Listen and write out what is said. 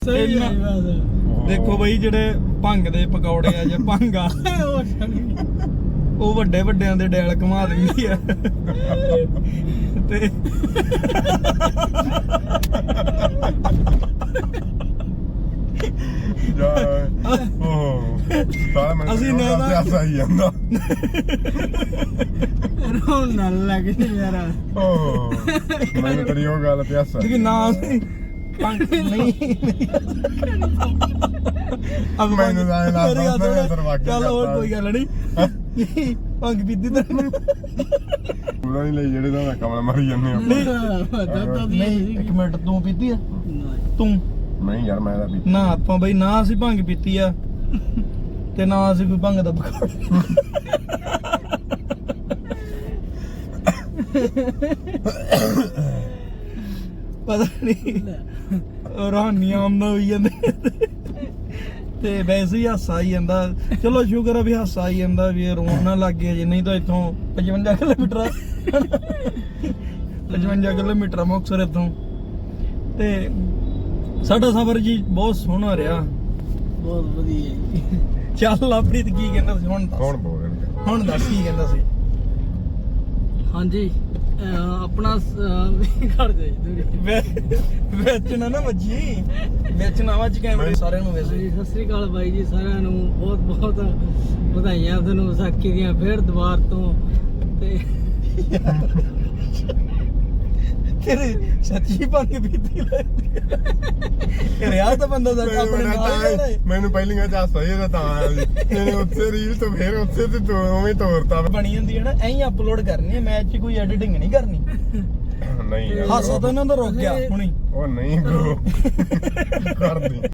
ਸਹੀ ਹੈ ਬਸ। ਦੇਖੋ ਬਈ ਜਿਹੜੇ ਭੰਗ ਦੇ ਪਕੌੜੇ ਆ ਜਾਂ ਭੰਗਾ ਉਹ ਵੱਡੇ ਵੱਡਿਆਂ ਦੇ ਡੈਲ ਘੁਮਾ ਦਿੰਦੀ ਆ ਤੇ ਅਸੀਂ ਨਾ ਸਹੀ ਜਾਂਦਾ ਰੋਣ ਨਾਲ ਲੱਗ ਯਾਰ। ਮੈਨੂੰ ਤੇਰੀ ਉਹ ਗੱਲ ਤੇ ਹਾਸਾ ਕਿ ਨਾ ਅਸੀਂ ਭੰਗ ਨਹੀਂ ਅਬ ਮੈਨੂੰ ਤਾਂ ਇਹ ਲੱਗਦਾ ਮੈਂ ਦਰਵਾਜ਼ੇ ਚੱਲ ਹੋਰ ਕੋਈ ਗੱਲ ਨਹੀਂ ਭੰਗ ਪੀਤੀ ਤਾਂ ਪੂਰਾ ਨਹੀਂ ਲਈ ਜਿਹੜੇ ਦਾ ਕਮਲ ਮਾਰੀ ਜਾਂਦੇ ਆ ਨਹੀਂ ਇੱਕ ਮਿੰਟ ਤੂੰ ਪੀਤੀ ਆ ਤੂੰ ਨਹੀਂ ਯਾਰ ਮੈਂ ਤਾਂ ਪੀਤੀ ਨਾ ਆਪਾਂ ਬਈ ਨਾ ਅਸੀਂ ਭੰਗ ਪੀਤੀ ਆ ਤੇ ਨਾ ਅਸੀਂ ਕੋਈ ਭੰਗ ਦਾ ਪਕੌੜਾ ਪਤਾ ਨਹੀਂ ਰਹਾਨੀਆਂ ਆਮਨਾ ਹੋਈ ਜਾਂਦੇ ਤੇ ਵੈਸੇ ਹੀ ਹਾਸਾ ਆਈ ਜਾਂਦਾ। ਚਲੋ ਸ਼ੁਕਰ ਆ ਵੀ ਹਾਸਾ ਆਈ ਜਾਂਦਾ ਵੀ ਇਹ ਰੋਣ ਨਾ ਲੱਗ ਗਿਆ, ਜੇ ਨਹੀਂ ਤਾਂ ਇੱਥੋਂ 55 ਕਿਲੋਮੀਟਰ 55 ਕਿਲੋਮੀਟਰ ਮੁਕਤਸਰ ਇੱਥੋਂ। ਤੇ ਸਾਡਾ ਸਫ਼ਰ ਜੀ ਬਹੁਤ ਸੋਹਣਾ ਰਿਹਾ, ਬਹੁਤ ਵਧੀਆ। ਚੱਲ ਲਵਪ੍ਰੀਤ ਕੀ ਕਹਿੰਦਾ ਸੀ ਹੁਣ ਕੌਣ ਬੋਲ ਰਿਹਾ ਹੁਣ ਦੱਸ ਕੀ ਕਹਿੰਦਾ ਸੀ। ਹਾਂਜੀ ਆਪਣਾ ਘਰ ਜਾਈ ਵਿੱਚ ਨਾ ਵੱਜੀ ਵਿੱਚ ਨਾ ਵੱਜ ਕੈਮਰੇ ਸਾਰਿਆਂ ਨੂੰ ਵੈਸੇ। ਸਤਿ ਸ੍ਰੀ ਅਕਾਲ ਬਾਈ ਜੀ ਸਾਰਿਆਂ ਨੂੰ, ਬਹੁਤ ਬਹੁਤ ਵਧਾਈਆਂ ਤੁਹਾਨੂੰ ਵਿਸਾਖੀ ਦੀਆਂ ਫੇਰ ਦੁਬਾਰ ਤੋਂ। ਤੇ ਤੇਰੇ ਸੱਚੀ ਭੰਗ ਪੀਤੀ ਲੱਗਦੀ ਰਿਆ ਤਾਂ ਬੰਦਾ ਦਾ ਆਪਣੇ ਨਾਲ ਹੀ ਮੈਨੂੰ ਪਹਿਲੀਆਂ ਚ ਹਾਸਾ ਇਹਦਾ ਤਾਂ ਆਇਆ ਸੀ ਇਹਨੇ ਉੱਥੇ ਰੀਲ ਤੋਂ ਫੇਰ ਉੱਥੇ ਤੇ ਤੂੰ ਉਵੇਂ ਤੋਰਤਾ ਬਣੀ ਹੁੰਦੀ ਹੈ ਨਾ ਐਂ ਅਪਲੋਡ ਕਰਨੀ ਹੈ, ਮੈਚ 'ਚ ਕੋਈ ਐਡੀਟਿੰਗ ਨਹੀਂ ਕਰਨੀ। ਨਹੀਂ ਯਾਰ ਹਾਸਾ ਤਾਂ ਇਹਨਾਂ ਦਾ ਰੁਕ ਗਿਆ ਹੁਣੀ। ਉਹ ਨਹੀਂ ਬ్రో ਕਰਦੀ